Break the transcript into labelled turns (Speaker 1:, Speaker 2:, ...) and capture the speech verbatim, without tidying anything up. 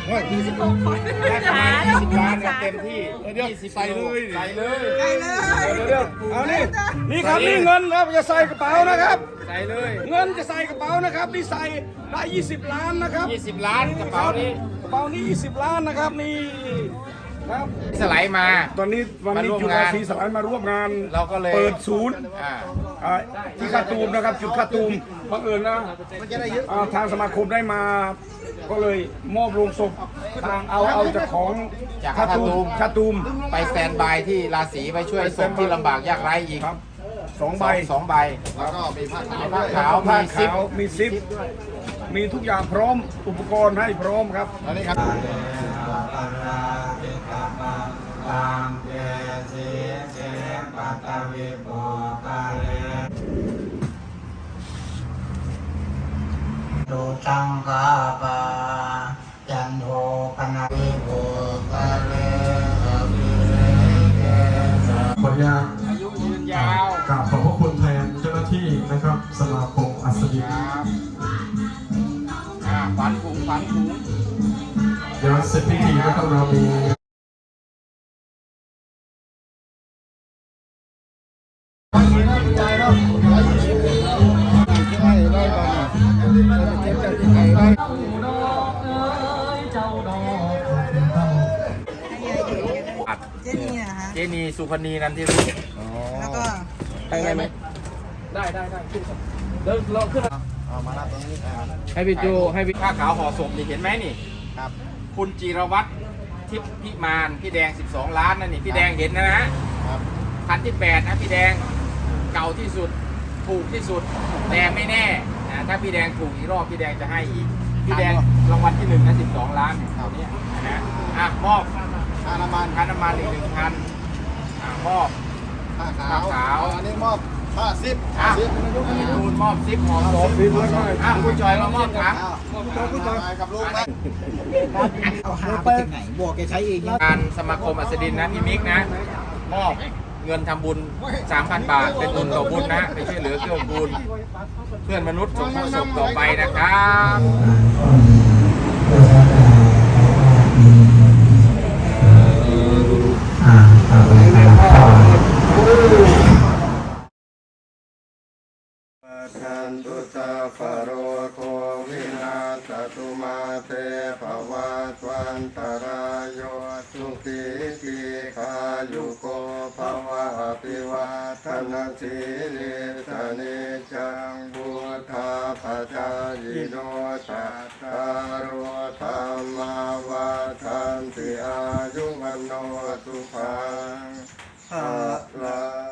Speaker 1: ยี่สิบหกคนยี่สิบล้านเต็มที่ยี่สิบใส่เลยใส่เลยใส่เลย
Speaker 2: เดี๋ยวเอานี่นี่ครับนี่เงินครับจะใส่กระเป๋านะครับ
Speaker 1: ใส่เลย
Speaker 2: เงินจะใส่กระเป๋านะครับนี่ใส่ได้ยี่สิบล้านนะครับ
Speaker 1: ยี่สิบล้านกระเป๋านี้
Speaker 2: กระเป๋านี้ยี่สิบล้านนะครับนี่ครับ
Speaker 1: สไลด์มา
Speaker 2: ตอนนี้วันนี้จุฬาศรีสลายมาร่วมงาน
Speaker 1: เราก็เลย
Speaker 2: เปิดศูนย์ที่คาตูมนะครับจุดคาตูมบังเอิญนะทางสมาคมได้มาก็เลยมอบโรงศพทางเอาเอาจากของ
Speaker 1: จาก
Speaker 2: คาตูมคาตูม
Speaker 1: ไปสแตนบายที่ราศีไปช่วยศพที่ลำบากยากไร้อีก
Speaker 2: ครับสองใบ
Speaker 1: สองใบแล้วก็มีผ้าขาวผ้าขาว
Speaker 2: ผ้าขาวมีซิปมีทุกอย่างพร้อมอุปกรณ์ให้พร้อมครับ
Speaker 1: อันนี้ครับ
Speaker 3: ดูตังกาปาจันโทปนาวิโภกาเลอภิเรเกสะ
Speaker 4: ขออนุญาต
Speaker 1: อายุยืนยาว
Speaker 4: กราบขอบพระคุณแทนเจ้าหน้าที่นะครับสมาคมอัศดิน
Speaker 1: ฝันถุงฝันถุง
Speaker 4: เดี๋ยวเสร็จพิธีนะครับเรามี
Speaker 5: เจนีนะคะ
Speaker 1: เจนีสุพรรณีนันทิรุ่
Speaker 5: แล้วก็
Speaker 1: ได้ไหมได้ได้ได้ขึ้นเดินลองขึ้นมาลาตรงนี้ให้พี่โจให้พี่ผ้าขาวห่อศพนี่เห็นไหมนี่ครับคุณจิรวัตรทิพย์พิมานพี่แดงสิบสองล้านนั่นนี่พี่แดงเห็นนะนะคันที่แปดนะพี่แดงเก่าที่สุดถูกที่สุดแต่ไม่แน่นะถ้าพี่แดงถูกอีกรอบพี่แดงจะให้อีกพี่แดงรางวัลที่หนึ่งนะสิบสองล้านเท่านี้นะอ่ะมอบค่าน้ำมันค่าน้ำมันอีกหนึ่งพันอ่ะมอบผ้าขาวขาวอันนี้มอบผ้าซิปอ่ะคุณมอบซิปหอมผมอ่ะคุณจอยมามอบถังคุณจอยกับลูกไหม
Speaker 5: เอาหาไปถึงไหนบอกแกใช้เอง
Speaker 1: การสมาคมอัศดินนะพี่มิกนะมอบเงินทำบุญ สามพัน บาทเป็นบุญต่อบุญนะไปช่วยเหลือเกื้อกูลเพื่อนมนุษย์สมทบศพต่อไปนะครับ
Speaker 6: ทันตุตาฟโรโควินาศตุมาเตภวัตวันตรายโยสุขีทีขายุโกภวะอภิวาทนาสีลิสเนจังบุธาปจายโนจัตตารโอธรรมาวาทันติอายุวันโนสุขังภะลัง